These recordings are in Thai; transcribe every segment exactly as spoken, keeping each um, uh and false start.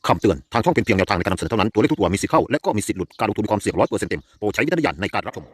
คำเตือนทางช่องเป็นเพียงแนวทางในการนำเสนอเท่านั้นตัวเลขทุกตัวมีสิทธิ์เข้าและก็มีสิทธิ์หลุดการลงทุนมีความเสี่ยงร้อยเปอร์เซ็นต์เต็มโปรดใช้วิจารณญาณในการรับชม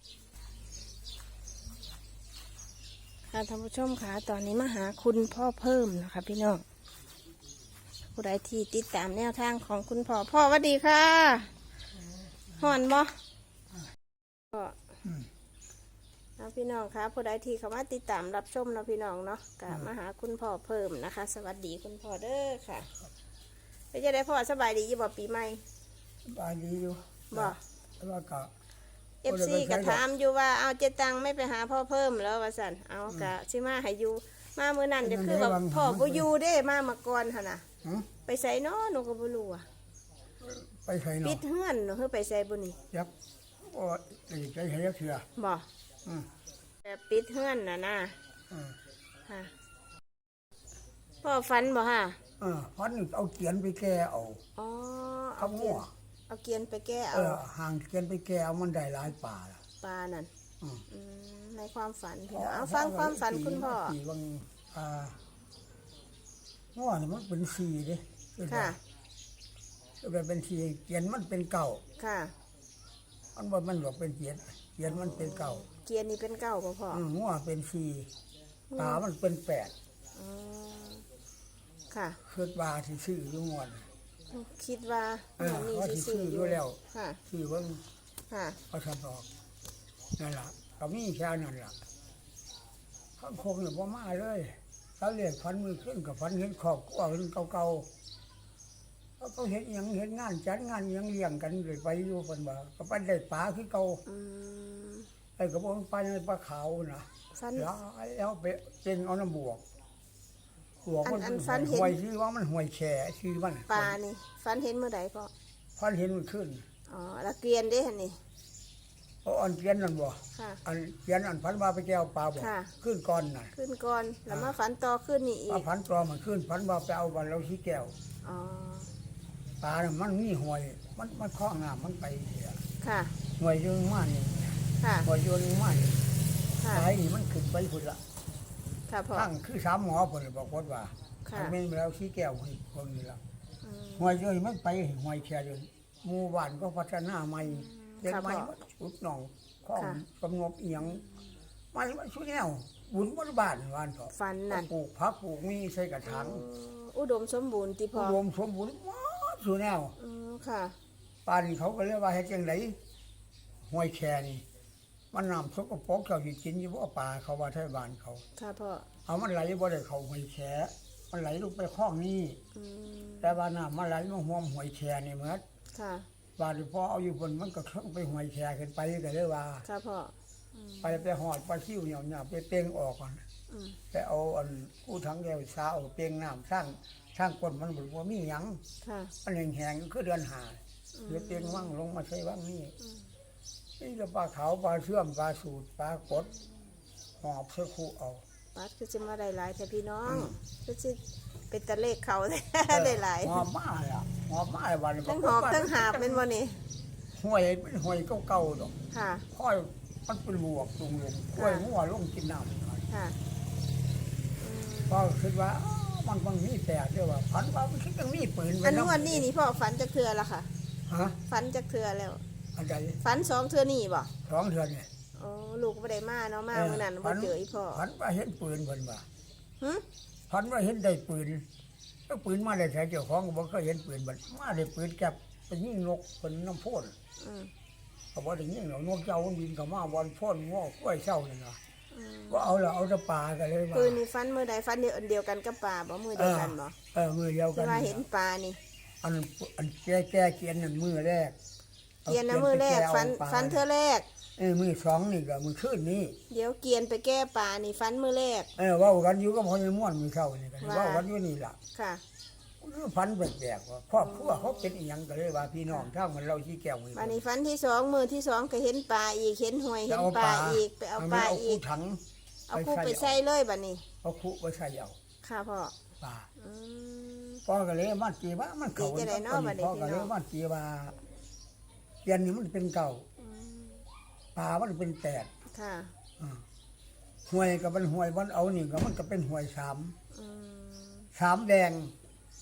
ค่ะท่านผู้ชมค่ะตอนนี้มาหาคุณพ่อเพิ่มนะคะพี่น้องผู้ใดที่ติดตามแนวทางของคุณพ่อพ่อสวัสดีค่ะห่อนบ่ก็นะพี่น้องค่ะผู้ใดที่เข้ามาติดตามรับชมนะพี่น้องเนาะก็มาหาคุณพ่อเพิ่มนะคะ สวัสดีคุณพ่อเด้อค่ะไปจะได้พ่อสบายดีอยู่บ่ปีใหม่บายดีอยู่บ่แล้วก็เอฟซีก็ถามอยู่ว่าเอาเจตังไม่ไปหาพ่อเพิ่มแล้วว่าสันเอากะชิมาให้อยู่มาเมื่อนั้นเดี๋ยวคือแบบพ่อบ่อยู่เด้มามาก่อนหั่นน่ะไปใส่น้อหนูก็บ่รู้อ่ะไปใส่หนอปิดเฮือนหนูคือไปใส่บ่นี่ยักษ์โอ้ยใจใช้ยักษ์เถื่อบ่อืมแต่ปิดเฮือนน่ะนะอืมค่ะพ่อฝันบ่ฮะเออพันเอาเกียนไปแก้เอาอ๋อข้าเอาวเกีหัยนวเอาเกียนไปแก้เอเอาอห่างเกียนไปแก้เอามันได้หลายป่าละปลานั่นอืมอืมในความฝันพี่น้องเอาฟังความฝันคุณพ่อสี่บางอ่าหัวนี่มันเป็นสี่เด้ค่ะแบบเป็นสี่เกียนมันเป็นเก่าค่ะมันบ่มันบอกเป็นเกียนเกียนมันเป็นเก่าเกียนนี่เป็นเก้าบ่พ่ออืมหัวเป็นสี่ตามันเป็นแปดอ๋อค่ะคิดว่าที่ซื้ออยู่งวดคิดว่าเออมีว่าสิซื้ออยู่แล้วค่ะซื้อเบิ่งค่ะก็ทำออกนั่นแหละก็มีแค่นั้นแหละข้างคงเนี่ยพ่มาเลยเขาเรียกฟันมือขึ้นกับฟันเห็นขอบกว่าเห็นเก่าๆเขาเขาเห็นหยังเห็นงานจัดงานหยังเลี้ยงกันเลยไปอยู่คนบ่าก็ไปได้ปลาคือเก่าอืมไอ้กระบอกปลาในปลาขาวนะฟันแล้วแล้วไปเป็นเอาน้ำบวกบวกมันอันอันฟันเห็นห่วยชื่อว่ามันห่วยแฉชื่อมันปลานี่ฟันเห็นเมื่อใดพ่อฟันเห็นมันขึ้นอ๋อแล้วเกลียนได้หันนี่เอาอันเกียนนั่นบ่ค่ะอันเกียนอันพันว่าไปแก้วปลาบ่ค่ะขึ้นก่อนน่ะขึ้นก่อนแล้วมาฝันต่อขึ้นนี่อีปลาก พันปลอมันขึ้นพันว่าไปเอาวันเราชี้แก้วอ๋อปลาเนี่ยมันมีหวย มันมันคล้องน้ำมันไปเสียค่ะหวยโยนมานี่ค่ะหวยโยนมานี่ค่ะสายนี่มันขึ้นไปพุ่นละค่ะพ่อทั้งคือสามหมอพุ่นเลยบอกว่าค่ะอันนี้เราชี้แก้วให้คนนี้ละอืมหวยโยนมันไปหวยแค่เดียวหมู่บ้านก็พัฒนาใหม่เด็กใหม่มันชุดหนองข้องกำงบเอียงมันมันชุดแนวบุญบนบ้านวานเถอะฟันนั่นปลูกผักปลูกมีใส่กระถางอุดมสมบูรณ์ติพ่อรวมสมบูรณ์หมดสุดแนวอืมค่ะป่านเขาก็เรียกว่าเฮ็ดจังไดห้วยแค่นี่มันน้ำสกปรกเจ้าสิกินอยู่บ่ป่าเขาว่าไทยบ้านเขาค่ะพ่อเอามันไหลบ่ได้เข้าห้วยแค่มันไหลลงไปคลองนี้อืมแต่ว่าน้ำมันไหลมาห่วมห้วยแค่นี่เหมือนค่ะบ้านที่พ่อเอาอยู่บนมันก็เข้าไปห้วยแค่ขึ้นไปก็เลยว่าค่ะพ่ออืมไปไปหอดปลาซิ่วเหนียวเนี่ยไปเป้งออกก่อนอืมไปเอาอันกู้ถังแก้วสาเอาเป้งน้ำสร้างสร้างก้นมันบ่มีหยังค่ะมันแห้งๆคือเดือนหาเดี๋ยวเตียงว่างลงมาใช้ว่างนี่นี่จะปลาขาวปลาเชื่อมปลาสูตรปลากดหอบเสื้อคู่เอาปัดคือจะมาได้หลายแต่พี่น้องคือจะเป็นตะเลขเขา ได้หลายหอบมาเลยอ่ะหอบมาเลยวันนี้ทั้งหอบทั้งหาบเป็นวันนี้ห้วยเป็นห้วยเก่าๆดอกค่ะค่อยมันเป็นบวกลงลงค่อยหัวลงกินน้ำค่ะก็คิดว่าอ้าวมันมันมีแปลกด้วยว่าพันว่ามันคิดยังมีปืนไว้อันนะนวันนี้นี่พ่อฝันจากเทือละค่ะฮะฝันจากเทือแล้วอันใดฝันสองเทือนี่บ่สองเดือนเนี่ยโอ้ลูกไม่ได้มาเนาะมาเมื่อนั้นบ่เจออีพ่อพันว่าเห็นปืนเพิ่นว่าหึพันว่าเห็นได้ปืนก็ปืนมาได้ใช้เจ้าของก็บอกก็เห็นปืนบัดมาได้ปืนแก็บไปยิงนกเป็นน้ำพ่นอืมเขาบอกได้ยิงหรอกนกเจ้ามันบินเข้ามาวันพ่นงอกกล้วยเช่านี่นะอืมว่าเอาละเอาแตะปลากันเลยว่าปืนนี่ฟันมือใดฟันเดียวอันเดียวกันกับปลาบ่มือเดียวกันบ่เออมือเดียวกัที่นว่าเห็นปลานี่อันอันแก้แก้เกียนนั่นมือแรกเกียนนะมือแรกฟันฟันเทือแรกเออมือสองนี่ก็มือขึ้นนี่เดี๋ยวเกียนไปแก้ปลานี่ฟันมือแรกเออเว่ากันอยู่ก็พอจะม่วนมือเข้านี่กันว่าเว่ากันอยู่นี่ล่ะค่ะคือพันแปลกๆว่าครอบครัวเขาเป็นอีหยังก็เลยว่าพี่น้องทางมันเราที่แก้วมือปลานี่ฟันที่สองมือที่สองก็เห็นปลาอีกเห็นหวยเห็นปลาอีกไปเอาปลาเอาอีคู่กถังเอาคู่ไปใส่เลยบัดนี้เอาคู่ไปใส่เอาค่ะพ่อปลาอืมพ่อก็เลยมันจีว่ามันเขาดีจะได้เนาะบัดนี้พ่อก็เลยมันจีว่าเกียนนี่มันเป็นเก่าอืมปลามันเป็นแปดค่ะอ่าห่วยกับมันห่วยวันเอานี่ก็มันก็เป็นห่วยสามอืมสามแดง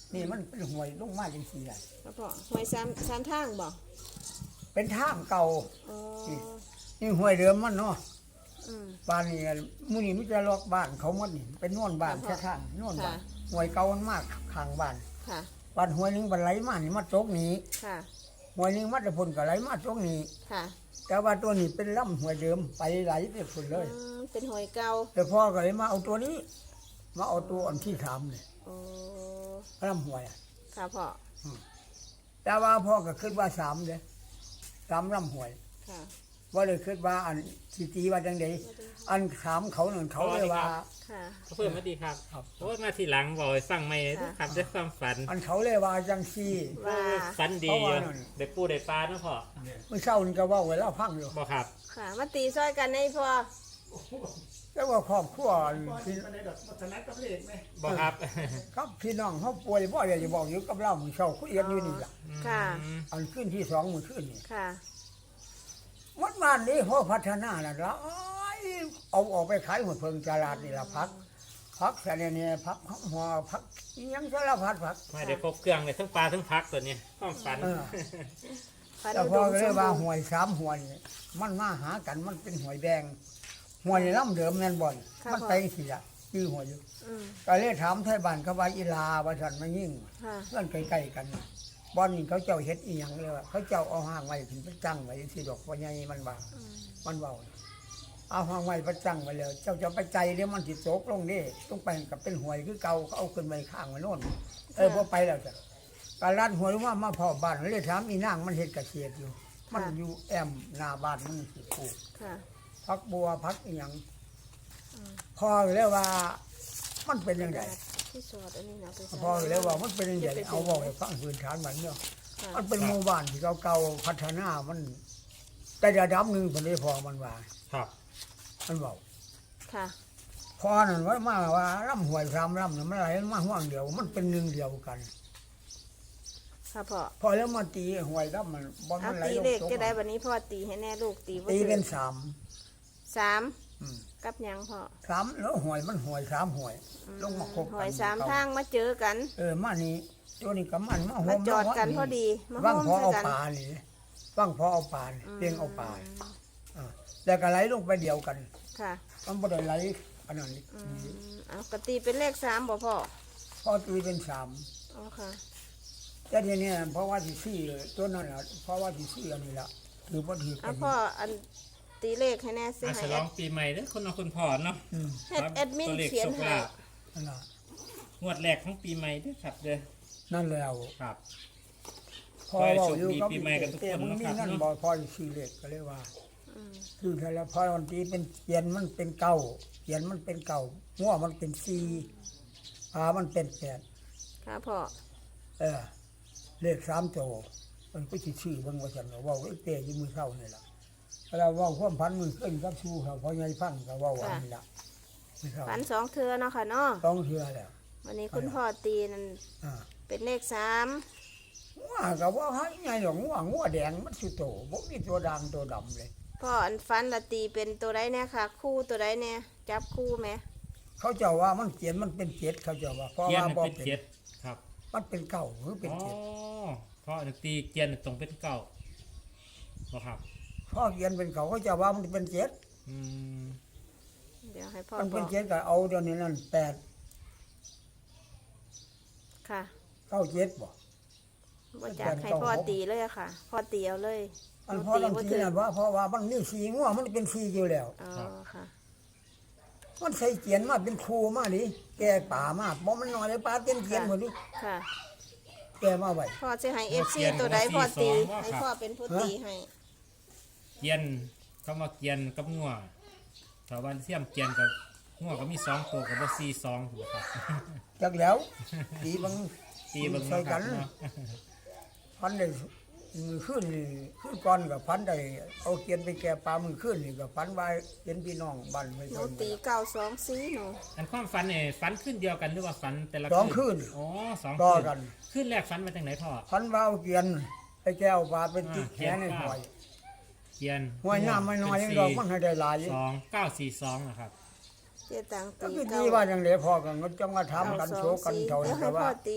นี่มันเป็นห้วยลงมาจังซี่แหละครับพ่อหวยสามสามทางบ่เป็นทางเก่าอ๋อนี่ห้วยเดิมมันเนาะอืมบ้านนี่มื้อนี้มิจะลอกบ้านเขาหมดนี่เป็นนวนบ้านค่ะแค่ทางนวนบ้านค่ะห้วยเก่ามันมากข้างบ้านค่ะบ้านห้วยหนึงบันไหลมานี่มาตกนี้ค่ะห้วยหนึงมาแต่พุ่นก็ไหลมาตกนี้ค่ะแต่ว่าตัวนี้เป็นลำห้วยเดิมไปไหลไปพุ่นเลยอืมเป็นหวยเก่าแต่พ่อก็เลยมาเอาตัวนี้ มาเอาตัวอันที่สามนี่โอ้ลำห้วยอะค่ะพ่อแต่ว่าพ่อก็คิดว่าสามเด้สามลำห้วยค่ะว่าเลยคิดว่าอันสิตีว่าจังไดอันถามเขานั่นเขาเลยว่าค่ะเพิ่มมาดีครับครับโอ้ยมาทีหลังบอกให้ฟังไม่ครับด้วยความฝันอันเขาเลยว่าจังซี่ว่าฝันดีเพราะว่าได้ปูได้ปลาเนาะพ่อเมื่อเช้านี่ก็เว่าไว้แล้วพังอยู่บอกครับค่ะ มาตีซอยกันให้พ่อแต่ว่าครอบครัวพี่บอกครับครับพี่น้องเขาป่วยบ่อยจะบอกอยู่กับเรามื้อเช้าคุยกันอยู่นี่ล่ะค่ะอืมอันขึ้นที่สองมื้อขึ้นนี่ค่ะวัดบ้านนี้เขาพัฒนาแล้วล่ะอ้ายเอาออกไปขายหัวเพิงตลาดนี่ล่ะพักพักแสนเนี่ยพักหัวพักอิหยังสารพัดพักไม่ได้ครบเครื่องเลยทั้งปลาทั้งพักตัวเนี้ยความฝันเออฟันแต่อุพดอมก็สเลยมว่าบูรหณ์วยสามหวยนี่มันมาหากันมันเป็นหวยแดงหวยลำเดิมแม่นบ่อนมันไปสิละชื่อหวยอยู่อืมก็เลยถามไทยบ้านเขาว่าอีลาว่าฉันมายิ่งค่ะเพื่อนใกล้ๆกันบ่อนนี่เขาเจ้าเฮ็ดอีหยังเลยว่าเขาเจ้าเอาห้างไว้ถึงไปจังไว้สิดอกว่าใหญ่มันว่าอืมมันเว้าเอาห้างไว้ไปจังไว้แล้วเจ้าจะไปใจเดี๋ยวมันสิตกลงนี่ต้องไปกับเป็นหวยคือเก่าเขาเอาขึ้นไว้ข้างไว้โน่นเออพอไปแล้วจ้ะการลัดหวยว่ามาพอบ้านเลยถามอีนางมันเฮ็ดเกษตรอยู่ มันอยู่แอมหน้าบ้านมันสิปลูกค่ะพักบัวพักอีหยังอืมพอแล้วว่ามันเป็นยังไงที่สอดอันนี้นะไปใส่พอแล้วว่ามันเป็นยังไงเอาบอกให้ฟังพื้นฐานมันเนาะค่ะมันเป็นหมู่บ้านที่เก่าๆพัฒนามันแต่ระดับหนึ่งคนนี้พอมันว่าครับมันบอกค่ะพอนั่นว่ามาว่าร่ำหวยสามร่ำเนี่ยมันอะไรมาห่วงเดียว มันเป็นหนึ่งเดียวกันค่ะพ่อพอแล้วมาตีหวยร่ำมันบอลเอามันไหลตีลงเลขตกจะได้วันนี้พ่อตีให้แน่ลูกตีบ่ตีถูกเป็นสามสามอืมกับหยังพ่อสามแล้วหวยมันหวยสามหวยอืลงมาคบกันหอยสามทางมาเจอกันเออมานี่ตัวนี้กับมันมาโฮมาม จอดกันพอดีมาว่างโฮมพอเอาใส่กันปลานี่ว่างพอเอาปลานี่เลี้ยงเอาปลาอ่าแล้วก็ไหลลงไปเดียวกันค่ะมันบ่ได้ไหลอันนั้นนี่อืมเอากตีเป็นเลขสามบ่พ่อพอตีเป็นสามอ๋อค่ะแต่ทีนี้เพราะว่าที่สี่ตัวนั้นน่ะเพราะว่าที่สี่อันนี้ละถือบ่ถือกัเอานพ่ออันตีเลขให้แน่สิอาให้ฉลองปีใหม่เด้อคุณน้องคุณพ่อเนาะอืมเฮ็ดแอดมินตัวเลขเขียนโชคให้ลาภนั่นล่ะงวดแรกของปีใหม่เด้อครับเด้อนั่นแล้วครับพอเว้าอยู่กับขอให้โชคดีปีใหม่กันทุกคนแต่มันมีนะครับนั่นเนาะบ่พอสิซื้อเลขก็เลยว่าอืมคือแต่ละพอวันตีเป็นเขียนมันเป็นเก้าเขียนมันเป็นเก้าหัวมันเป็นสี่ปลามันเป็นแปดค่ะพ่อเออเลขสามโตวมันก็สิชื่อเบิ่งว่าซั่นว่าเว้าไอ้เป้อยู่มื้อเช้านี่ล่ะแล้วเว้าความพันมือขึ้นกับสู้เขาพอใหญ่ฟังก็เว้าอันนี้ล่ะมื้อเช้าฝันสองเทือเนาะค่ะเนาะต้องเทื่อแล้ววันนี้คุณพ่อตีนั่นอ่าเป็นเลขสามงัวก็ว่าให้ใหญ่ดอกงัวงัวแดงมันสิโตบ่มีตัวด่างตัวดำเลยพ่ออันฟันละตีเป็นตัวใดเนี่ยค่ะ คู่ตัวใดเนี่ยจับคู่ไหมเขาเจ้าว่ามันเขียนมันเป็นเจ็ดเขาเจ้าว่าเพราะเกียนว่าบ่เป็นเป็นเจ็ดครับมันเป็นเก้าหรือเป็นอ๋อเจ็ดเพราะตีเกียนตรงเป็นเก้าบ่ครับเพราะเขียนเป็นเก้าเขาเจ้าว่ามันเป็นเจ็ดอืมเดี๋ยวให้พ่อมันบเป็นอกเจ็ดก็เอาเดี๋ยวนี้นั่นแปดค่ะเก้าเจ็ดบ่บ่จักให้พ่อตีเลยอะค่ะ พ่อตีเอาเลยอันหเพราะตีลังบ่ทีถึงนั่นว่าเพราะว่ามันมีสีงัวมันเป็นสีอยู่แล้วอ๋อค่ะมันใส่เขียนมาเป็นครูมาดิแกป่ามาบ่มันน้อยเลยป่าเต็มเขียนหมดดิค่ะแกมาไว้พ่อจะให้เอฟซีตัวใดพ่อตี ให้พ่อเป็นผู้ตีให้เกียนคำว่าเกียนกับงัวถ้าวันเทียมเกียนกับงัวก็มีสองตัวกับบ่สี่สองถูกครับจักแล้วตีบังตีเบิ่งใส่เนาะคกัรับนเนาะพันได้มือขึ้นนี่ขึ้นก่อนกับพันได้เอาเกียนไปแก่ปลามือขึ้นนี่กับพันไว้เป็นพี่น้องบ้านไม่หนูใช่ตีเก้าสองสี่หนูอันความฝันเนี่ยฝันขึ้นเดียวกันหรือว่าฝันแต่ละสองคืนอ๋อสองต่อคืนกันขึ้นแรกฝันมาจากไหนพ่อพันว่าเอาเกียนไปแก้วปลาเป็นติดแขนในหอยเกียนหอยน้ำไม่น้อยเป็ยังสี่ดอกมันให้ได้หลายสองเก้าสี่สองนะครับเจ๊ตังก็ตีคือเก้าดีว่าอย่างเดียวพอกันก็จังว่าทำกันเก้าโซสองกันสี่เท่าเดี๋นั้ยวน ให้แต่พ่ว่าอตี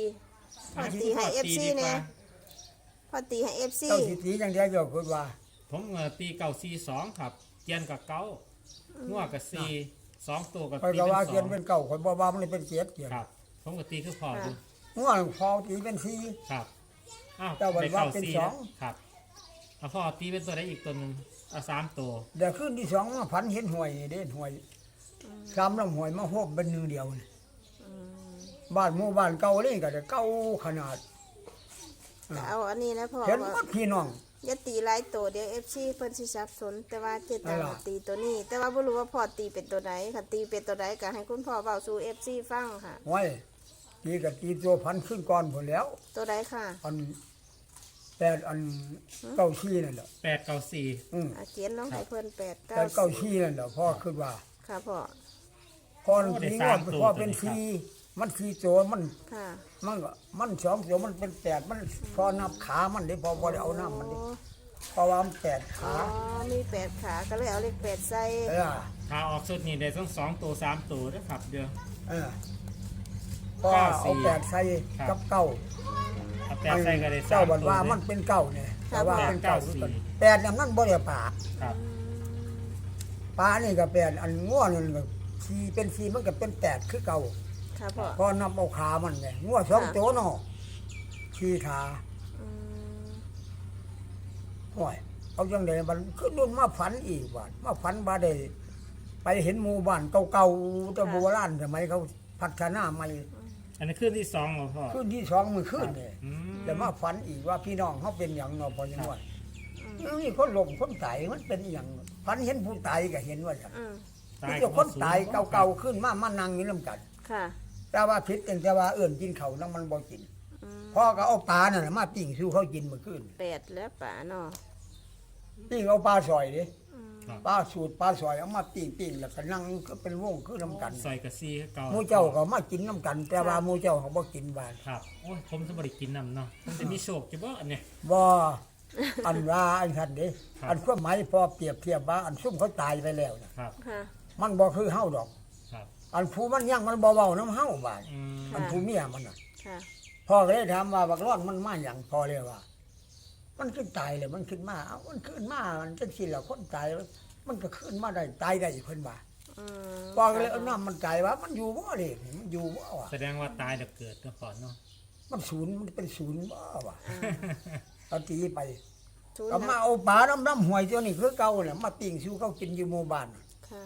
พอตีให้เอฟซีเนี่ยพอตีให้เอฟซีเจ้าสิตีอย่างเดียวเจ้าคิดว่าผมเอ่อตีเก้าสี่สองครับเกียนกับเก้างัวกับสี่สองตัวกับคอยตีก็เป็นว่าสเกียอน งเป็นเก่าคอยบ่ว่ามันเป็นเกียรเกียรครับ ผมก็ตีคือพออยู่ง่วงพอตีเป็นสี่ครับอ้าวเจ้าบอกได้ว่าเก้าเป็นสี่สองครับเอาพ่อตีเป็นตัวได้อีกตัวหนึ่งเอาสามตัวเดี๋ยวขึ้นที่สองมาพันเห็นหวยนี่เด่นหวยสามลำหวยมาโฮบเป็นหนึ่งเดียวนี่บ้านหมู่บ้านเก่าเลยก็จะเก่าขนาดก็เอาอันนี้นะพ่อเห็นว่าหมดพี่น้องอย่าตีหลายตัวเดี๋ยวเอฟซีเพิ่นสิสับสน แต่ว่าเจตังนั่นล่ะตีตัวนี้ แต่ว่าบ่รู้ว่าพ่อตีเป็นตัวไหนค่ะตีเป็นตัวไหนก็ให้คุณพ่อเว้าสู่เอฟซีฟังค่ะไว้ตีกับตีตัวพันขึ้นก่อนหมดแล้วตัวไหนค่ะอันแปดอันเก้าชี้นั่นแหละแปดเก้าสี่อืมอ่ะเขียนลงให้เพิ่นแปดแต่เก้าเก้าชี้นั่นแหละพ่อคิดว่าค่ะพ่อพ่อตีงวดพ่อเป็นสี่มันสี่ตัวมันค่ะมันก็มันสองตัวมันเป็นแปดมันพอนับขามันได้พอพอได้เอาน้ำมันดิโอ้เพราะว่ามันแปดอ๋ขาอมีแปดขาก็เลยเอาเลขแปดใส่เออถ้าออกสุดนี่ได้ต้องสองตัวสามตัวนะครับเดี๋ยวเออพอเอาแปดใส่กับเก้าเอาแปดใส่ก็ได้สาเจ้าม บันตัวว่าเด้มันเป็นเก้าเนี่ยแต่ว่าเป็นเก้าทุกคนแปดเนี่ยมันบ่ได้ป่าครับป่านี่ก็แปดอันง่วนั่นก็สี่เป็นสี่มันก็เป็นแปดคือเก่าค่ะพ่อพอนับเอาขามันไงง่วสองตัวเนาะสี่ขาอืมห้อยเอาจังไดมันขึ้นนู่นมาฝันอีกบาดมาฝันบ่ได้ไปเห็นหมู่บ้านเก่าๆแต่โบราณสมัยเขาพัฒนาใหม่อันนี้ขึ้นที่สองเหรอพ่อขึ้นที่สองมือขึ้นเนี่ยอืมแต่มาฝันอีกว่าพี่น้องเขาเป็นอย่างเนาะพอยังว่านี่คนหลงคนตายมันเป็นอย่างฝันเห็นผู้ตายก็เห็นว่าอย่างอืมนี่เจ้าคนตายเก่าๆขึ้นมามานั่งอยู่น้ำกันค่ะแต่ว่าพิษแต่แต่ว่าเอื่นกินเขาวนั่งมันบ่กินอืมพ่อก็เอาปลานั่นน่ะมาปิ้งสู้เขากินเมื่อคืนแปดแล้วป่าเนาะปิ้งเอาปลาซอยดิอืมครับปลาสูตรปลาซอยเอามาปิ้งปิ้งแล้วก็นั่งก็เป็นวงคือน้ำกันใส่กับซีเก่าหมูเจ้าก็มากินน้ำกัน แต่ว่าหมูเจ้าเขาบ่กินบานครับโอ้ยผมจะบริกินน้ำเนาะมันจะมีโชคจะบ่อันเนี้ยบ่อันว่าอันทันเด้ครับอันความหมายพอเปรียบเทียบว่าอันซุ่มเขาตายไปแล้วน่ะครับค่ะมันบ่คือเฮาดอกครับอันผู้มันยังมันบ่เว้าน้ำเฮาบาดอืมอันผู้เมียมันน่ะค่ะพ่อก็เลยถามว่าบักร้อนมันมาหยังพ่อเลยว่า มันขึ้นตายเลยมันขึ้นมาเอ้ามันขึ้นมามันจังซี่ล่ะคนตายมันก็ขึ้นมาได้ตายได้เพิ่นว่าอืมพ่อก็เลยเอาน้ำมันตายว่ามันอยู่บ่เด้มันอยู่บ่วะแสดงว่าตายแล้วเกิดก็ก่อนเนาะมันศูนย์มันเป็นศูนย์บ่วะเอาตีไปศูนย์ก็มานะเอาปลาน้ำน้ำหวยตัวนี้คือเก่าน่ะมาปิ้งสู่เขากินอยู่หมู่บ้านน่ะค่ะ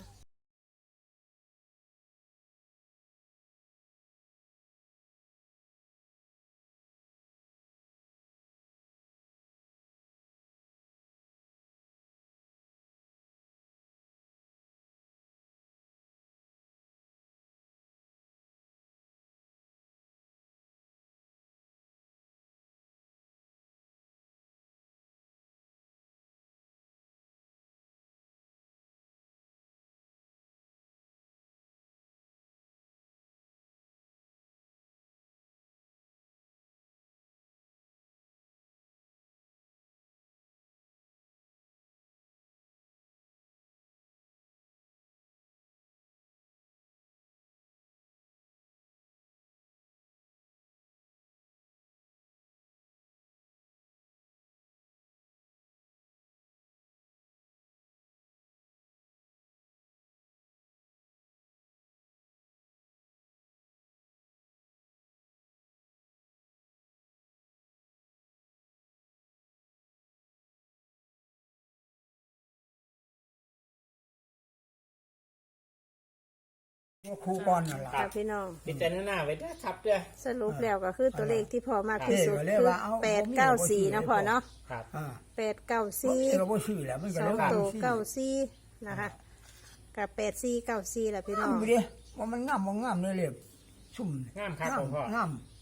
ครูก่อนนั่นล่ะค่ะพี่น้องพิจารณาไว้ด้วยครับเด้อสรุปแล้วก็คือตัวเลขที่พอมากที่สุดเออเลยคือว่าเอาแปดเก้าสี่นะพอเนาะครับอ่าแปดเก้าบ่สี่มีก็บ่ซื้อแหล้วมันก็สอเลงยว่าตัวมันเก้าสี่นะคะกับแปดสี่เก้าสี่แหละพี่น้องงามอยู่ดิว่ามันงามบ่งามเลยเลยซุ่มงามครับผมพ่องาม